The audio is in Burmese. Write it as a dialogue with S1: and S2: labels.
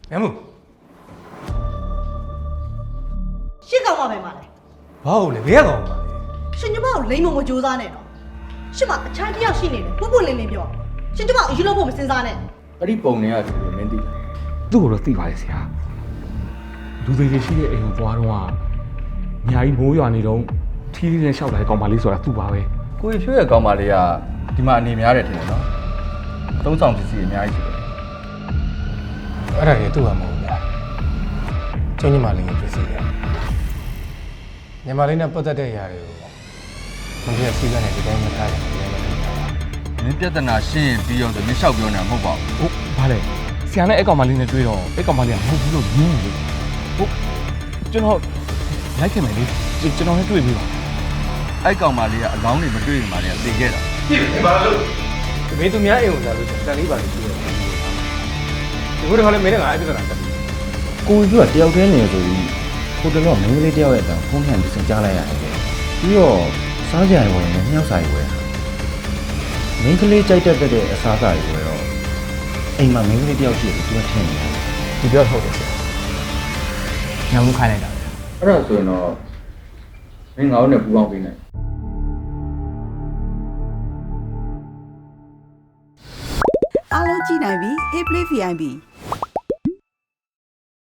S1: ငါမို့
S2: ရှစ်ကောင်မပဲမလဲ
S1: ဘာလို့လဲဘယ်ကောင်ပါလဲ
S2: ရှင်ကျမကိုလိမ့်မမကြိုးစားနဲ့တော့ရှစ်မအချမ်းတစ်ယောက်ရှိနေတယ်ပုပ်ပုလင်းလင်းပြောရှင်ကျမကိုအယူလို့ဖို့မစင်စားနဲ့
S3: အဲ့ဒီပုံတွေကဒီလိုမင်းသိလား
S4: သူ့ကိုတော့သိပါရဲ့ဆရာလူတွေရှိတဲ့အိမ်ကိုသွားတော့အများကြီးမိုးရွာနေတော့ထီးလေးနဲ့ရှောက်လာတဲ့ကောင်မလေးဆိုတာသူ့ပါပဲ
S3: ကိုကြီးဖြိုးရဲ့ကောင်မလေးကဒီမှာအနေများတယ်ထင်တယ်နော်သုံးဆောင်ပစ္စည်းအများကြီးရှိတယ်
S1: အဲ့ဒါကြီးသူ့ဟာမဟုတ်ဘူးချင်းညီမလေးကိုပြစီတယ်ညီမလေးနဲ့ပတ်သက်တဲ့အရာတွေကိုမင်းကစီးကနေဒီတိုင်းမထားတယ်ဒီတိုင်းမထား
S3: မင်းပြဿနာရှင်းရင်ပြီးအောင်ဆိုမင်းလျှောက်ပြောနေတာမဟုတ်ပါဘူး
S4: ဟုတ်ဘာလဲဆရာနဲ့အဲ့ကောင်မလေးနဲ့တွေ့တော့အဲ့ကောင်မလေးကမဟုတ်ဘူးလို့ညင်းနေလို့ဟုတ်ကျွန်တော်လိုက်ခဲ့မယ်လေကျွန်တော်နဲ့တွေ့ပြီပါ
S3: အဲ့ကောင်မလေးကအလောင်းတွေမတွေ့ရင်မှလည်းသိခဲ့တာ
S1: ဒီမင်းသူများအိမ်ကိုလာလို့တန်လေးပါလို့ပြောတယ်ဒီဘက်ကလည်းမင်းနဲ့ငါအဲ့ပြဿနာတက်ပြီ
S5: ကိုကြီးကတယောက်တည်းနေဆိုပြီးဟိုတလောမင်းကလေးတယောက်ရဲ့အတန်ဖုန်းထန်ပြီးစင်ကြားလိုက်ရတယ်ပြီးတော့စားကြရဝင်နဲ့မြောက်စာရွယ်မင်းကလေးကြိုက်တတ်တဲ့အစားအစာတွေတော့အိမ်မှာမင်းကလေးတယောက်ရှိတယ်သူကထင်နေတယ်
S4: ဒီပြောဟုတ်တယ်ဆရာညောင်မှုခိုင်းလိုက်တာ
S3: အဲ့ဒါဆိုရင်တော့မင်းငါ့နဲ့ပူပေါင်းပေးနိုင်
S6: အားလုံးကြည့်နိုင်ပြီ Hey Play VIP